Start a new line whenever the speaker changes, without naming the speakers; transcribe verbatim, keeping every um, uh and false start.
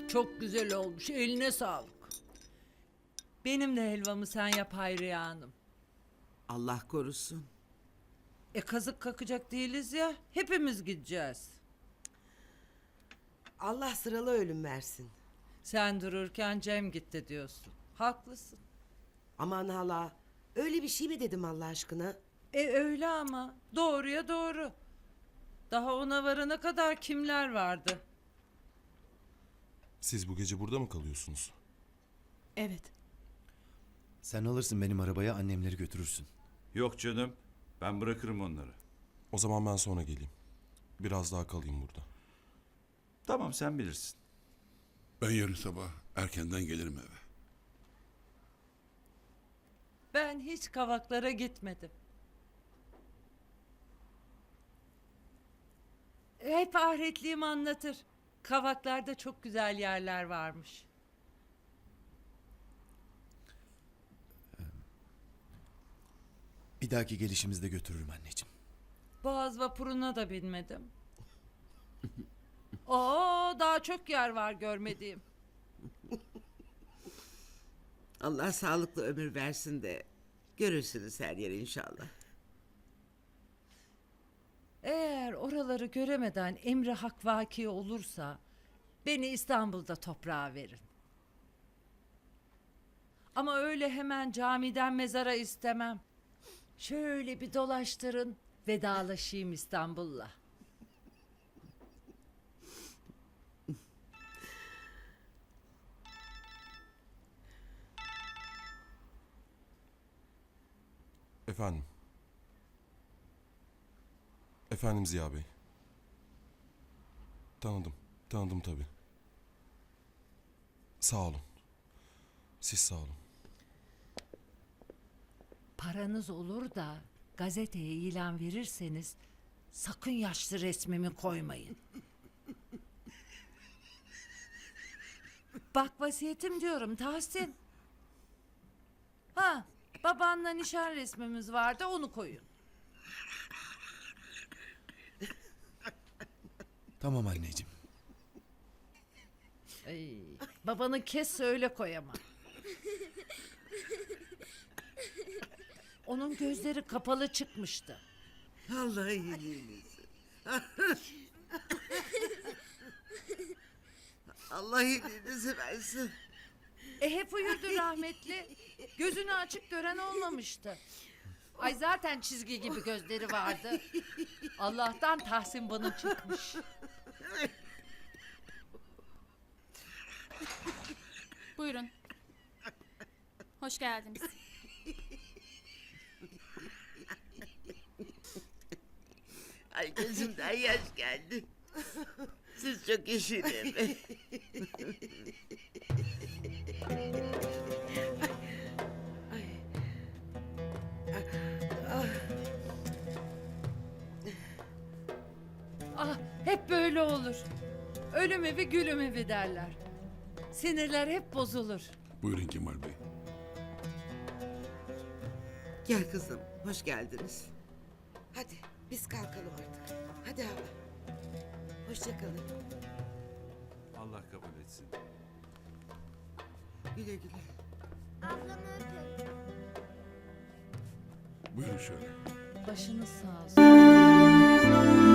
Çok güzel olmuş. Eline sağlık. Benim de helvamı sen yap Hayriye Hanım.
Allah korusun.
E kazık kakacak değiliz ya. Hepimiz gideceğiz.
Allah sıralı ölüm versin.
Sen dururken Cem gitti diyorsun. Haklısın.
Aman hala, öyle bir şey mi dedim Allah aşkına?
E öyle ama. Doğruya doğru. Daha ona varana kadar kimler vardı?
Siz bu gece burada mı kalıyorsunuz?
Evet.
Sen alırsın benim arabaya, annemleri götürürsün.
Yok canım. Ben bırakırım onları.
O zaman ben sonra geleyim. Biraz daha kalayım burada.
Tamam, sen bilirsin.
Ben yarın sabah erkenden gelirim eve.
Ben hiç Kavaklara gitmedim. Hep ahiretliğim anlatır. Kavaklarda çok güzel yerler varmış.
Bir dahaki gelişimizde götürürüm anneciğim.
Boğaz vapuruna da binmedim. Oo, daha çok yer var görmediğim.
Allah sağlıklı ömür versin de görürsünüz her yeri inşallah.
Eğer oraları göremeden emri hak vaki olursa beni İstanbul'da toprağa verin. Ama öyle hemen camiden mezara istemem. Şöyle bir dolaştırın, vedalaşayım İstanbul'la.
Efendim. Efendim Ziya Bey. Tanıdım. Tanıdım tabii. Sağ olun. Siz sağ olun.
Paranız olur da gazeteye ilan verirseniz sakın yaşlı resmimi koymayın. Bak vasiyetim diyorum Tahsin. Ha, babanla nişan resmimiz vardı, onu koyun.
Tamam anneciğim.
Ay, babanı kes söyle koyama. Onun gözleri kapalı çıkmıştı.
Allah iyiliğinizi. Allah iyiliğinizi versin.
E hep uyurdu rahmetli. Gözünü açık gören olmamıştı. Ay zaten çizgi gibi gözleri vardı. Allah'tan Tahsin bana çıkmış.
Buyurun. Hoş geldiniz.
Ay gözümden yaş geldi. Siz çok işin.
Ah hep böyle olur. Ölüm evi gülüm evi derler. Sinirler hep bozulur.
Buyurun Kemal Bey.
Gel kızım, hoş geldiniz.
Hadi biz kalkalım artık. Hadi hala. Hoşça kalın.
Allah kabul etsin.
Güle güle.
Buyurun şöyle.
Başınız sağ olsun.